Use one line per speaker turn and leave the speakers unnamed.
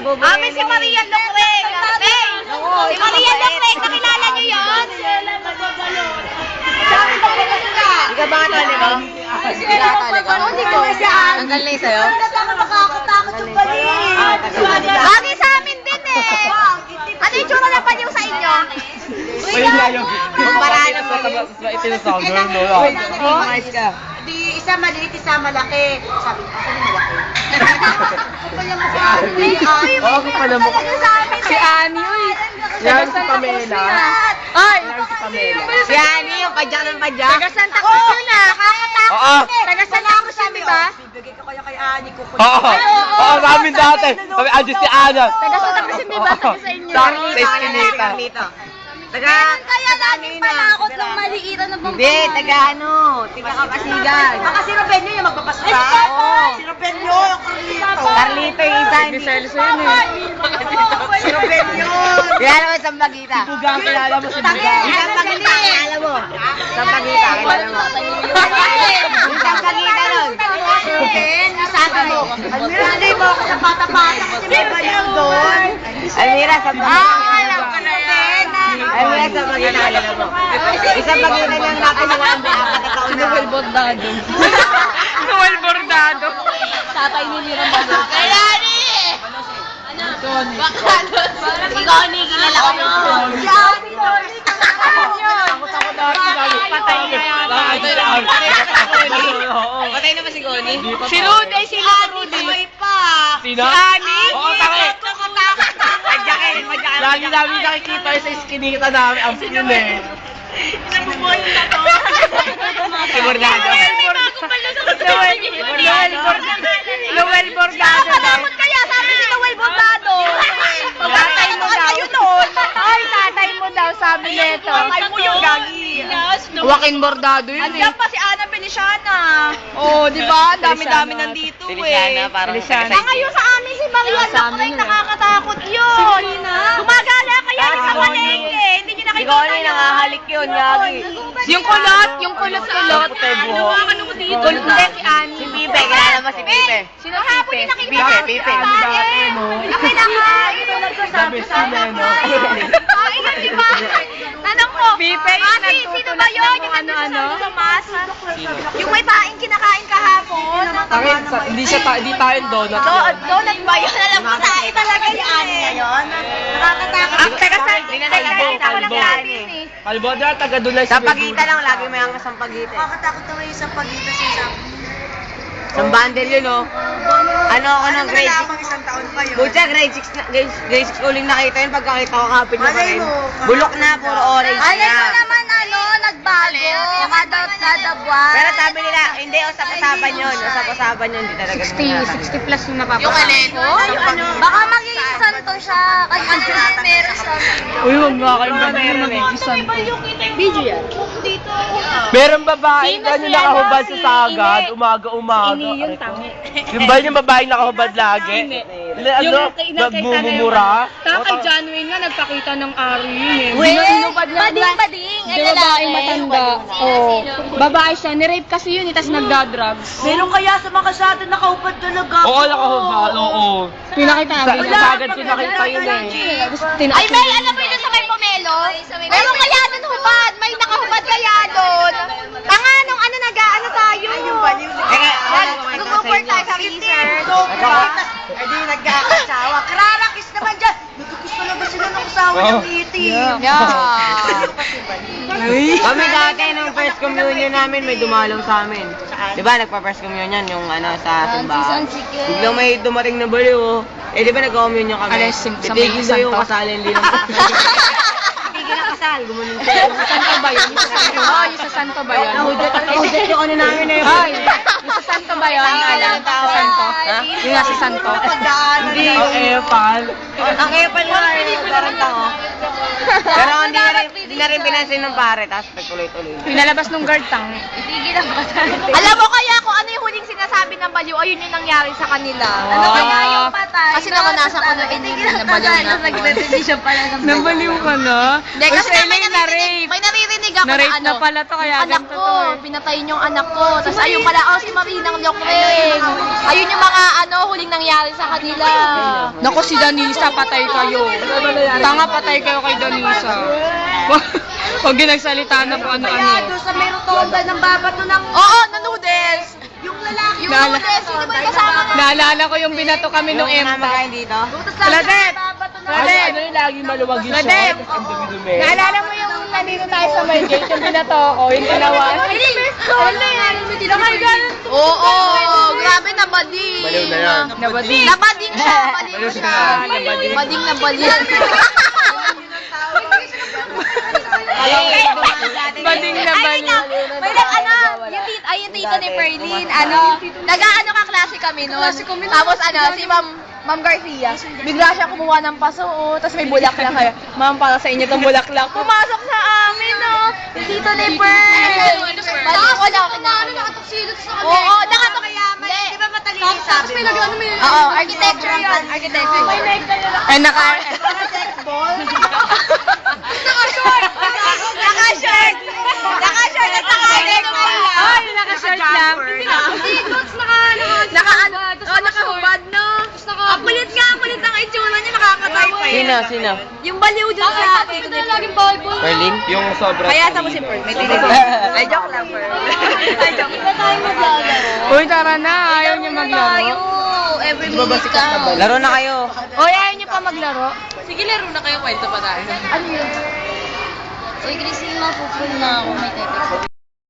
Amin si Maria Lucreg. Si Maria Lucreg, nakilala niyo yun?
Hindi ka ba katali mo? Hindi ka katali ko? Hindi ko. Ang galing sa'yo?
Nakakatakot yung bali. Bagay sa amin din eh. Ano yung tsura na panyo sa inyo?
Kumparahan mo.
Mais ka. Di isa maliit, isa malaki. Sabi ko, ako malaki.
Oo, ako pala mo.
Si Ani, uy.
Yan si Pamela.
Ay!
Si Pamela. Si Ani, yung padyak ng padyak.
Taga Santa Cruz yun ah. Nakakatakot
Oo.
yun eh. Taga Santa Cruz yun, di ba?
Bibigay ko kaya kay Ani ko.
Oo. Oo, namin dati. Sabi, andyan si Ana.
Taga Santa Cruz yun, di ba? Taga sa inyo.
Sa Eskinita.
Kaya namin panakot ng maliitan na bang
Hindi, taga ano, tiga Kapasigan.
Baka si Robenio yung magpapasta.
Oo.
Si Robenio, yung Carlito.
Carlito yung isa, hindi.
Si Robenio.
Kilala mo sa Bagita?
Bugang, kilala mo si Bugang.
Isang Bagita, kilala mo? Sa Bagita, kilala mo? Isang Bagita nun.
Sabi mo, Almira, hindi mo ako sa bata-bata kasi may ganyan doon.
Almira, sa Bagita.
Alam ko na yan.
Almira, sa Bagita, kilala mo? Isang Bagita niyang nakinuwan mo, apat na taon na.
Noel Bordado.
Noel Bordado.
Tatay ni Mira Bago. Kaya ni! Ikaw ni, kilala ko yun. Si Ani,
Takot dati.
Patay na yan.
Oo.
Patay na ba si Goni?
Si Rudy, si Rudy.
Sino?
Si Ani?
Oo, takot.
Madyakin.
Lagi namin nakikita sa Eskinita namin. Ang yun eh.
Si Bordado. Noel Bordado.
Takot kaya, sabi ni Noel Bordado.
Tatay mo daw.
Ay, tatay mo daw, sabi nito.
Tatay mo yung gagi.
Joaquin Bordado yun eh. Andiyan pa si Ana Feliciana. Oo, di ba? Dami-dami nandito
Feliciana, parang
Ngayon sa amin si Maria Lucreg, nakakatakot yun. Gumagala kaya sa palengke. Hindi niyo nakikita
Goni,
yun.
nakahalik yun, gagi.
Yung kulot. Ano mo dito? Kulot na si Ani.
Si Pipe, kilala mo si Pipe?
Sino hapon yung nakikita?
Pipe.
Sabi si Leno.
Ay, di ba? Tanong ko, Ate, sino ba yun? Yung ano-ano? Sa masa? Yung may kinakain kahapon?
Hindi tayo donut.
Donut ba yun? Alam ko tayo talaga si Ani ngayon. Nakakatakot. Ang taga-saan? Taga-saan ako ng natin eh.
Kalbo na, taga Dulay
Sa Pagita lang, lagi may angkas ang Pagita.
Nakakatakot naman yung sa pagita sa isang.
Isang bundle yun, oh. Ano ako ng grade 6?
Isang taon pa yun.
Butya, grade 6 uling nakita yun. Pagkakita ko, kapit na pa rin. Bulok na, puro orange
Alay ko
na.
naman nagbago. Kada buwan.
Pero sabi nila, hindi, usap-usapan yun. Usap-usapan yun, hindi talaga.
60 plus yung napapakain. Yung Alejo? Baka magiging santo siya. Kasi meron siya.
Uy, huwag nga kayo
Meron eh.
Video yan.
Meron babae
Sino
ganyan
si
nakahubad
ano,
sa
si
sagad,
Ine?
umaga-umaga.
Ini yung
Aray ko.
tangi.
Yung ba yung babaeng nakahubad lagi? Ano? Nagmumura?
Kay John Wayne nga nagpakita ng ari yun eh.
Bading.
Di babaeng matanda. Oo. Babae siya. Nirape kasi yun eh, tas nagda-drugs.
Meron kaya sa mga kasyado nakahubad talaga.
Oo, nakahubad. Oo.
Pinakita
Sa
namin.
sagad ko nakita yun eh.
Ay, may alam mo yun sa may pomelo? Meron kaya doon hubad. May nakahubad kaya doon. Tanga nung ano nag-ano tayo. Nag-over tayo sa research.
Ay, di nagkakasawa.
Krarakis naman dyan. Nagkakis talaga sila ng asawa ng itim.
Kami dati, nung first communion namin, may dumalong sa amin. Di ba, nagpa-first communion yung ano, sa simbahan. Biglang may dumating na baliw, oh. Eh, di ba nag-communion kami?
Alas, sa may
Titigil daw yung
santo.
kasalin din. Titigil ang kasal, gumanon siya.
Santo ba yun? Yung sa Santo. Oh, yung sa Santo ba yun?
Nahudot yung ano namin eh.
Ay, yung sa Santo ba yun? Alam, sa Santo. Ha? Yung nga sa Santo.
Hindi.
Ang epal.
Ang epal nga, parang tango. Pero hindi na rin pinansin ng pare, tapos nagtuloy-tuloy.
Pinalabas nung guard tang.
Alam mo kaya kung ano yung huling sinasabi ng baliw, ayun yung nangyari sa kanila. Ano
Oh.
kaya yung patay? Kasi naranasan ko na nabaliw na ako.
Nabaliw ka na?
Hindi, kasi
Uy,
may
na-rape.
naririnig ako
Na-rape
na ano.
na pala to, kaya
anak
ganito
ko,
to eh.
pinatayin yung anak ko. Tapos ayun pala, si Marinang Lokring. Ayun yung mga huling nangyari sa kanila.
Naku, si Danisa, patay kayo. Tanga, patay kayo kay Danisa. Huwag yung nagsalita na po ano-ano.
sa may rotonda ng babato ng... Oo, na noodles. Yung lalaki. Yung
Nala-
noodles, hindi mo yung kasama na.
Naalala ko yung binato kami nung
Yung
EMTA.
namakain dito.
Ladep!
Ay, ano yung lagi maluwag yung
Ladep!
short? Ang dumi-dumi.
Naalala mo yung nandito tayo sa may gate, yung binato ko, yung dalawa.
Oo, grabe na bading.
Baliw na yan.
Nabadi.
Nabading siya, baliw siya.
Nabading.
Bading na bading.
Bading na baliw.
May yung tito ni Perlin, nag-ano ka klase kami nun. Tapos si Ma'am Garcia, bigla siya kumuha ng paso, tapos may bulaklak kaya. Ma'am, para sa inyo tong bulaklak. Pumasok sa amin, yung tito ni Perl. Oo, nakatok. Di ba matalino sabi mo? Oo, architecture yun. Architecture.
Ay, naka...
Naka-short at naka-electric.
Ay, naka-short lang.
Naka-hubad, no? Ang kulit ang itsura niya, nakakatay pa
Sino? Sino?
Yung baliw dun sa atin.
Perlin?
Yung sobra.
Kaya sa mo si Pearl. May joke lang, Pearl. May joke. Hindi tayo maglalaro.
Uy, tara na. Ayaw niyo maglaro.
Every minute ka.
Laro na kayo.
Uy, ayaw niyo pa maglaro.
Sige, laro na kayo. Kwento pa tayo. Ano yun? Uy, Christine, mapupul na ako. May tetext.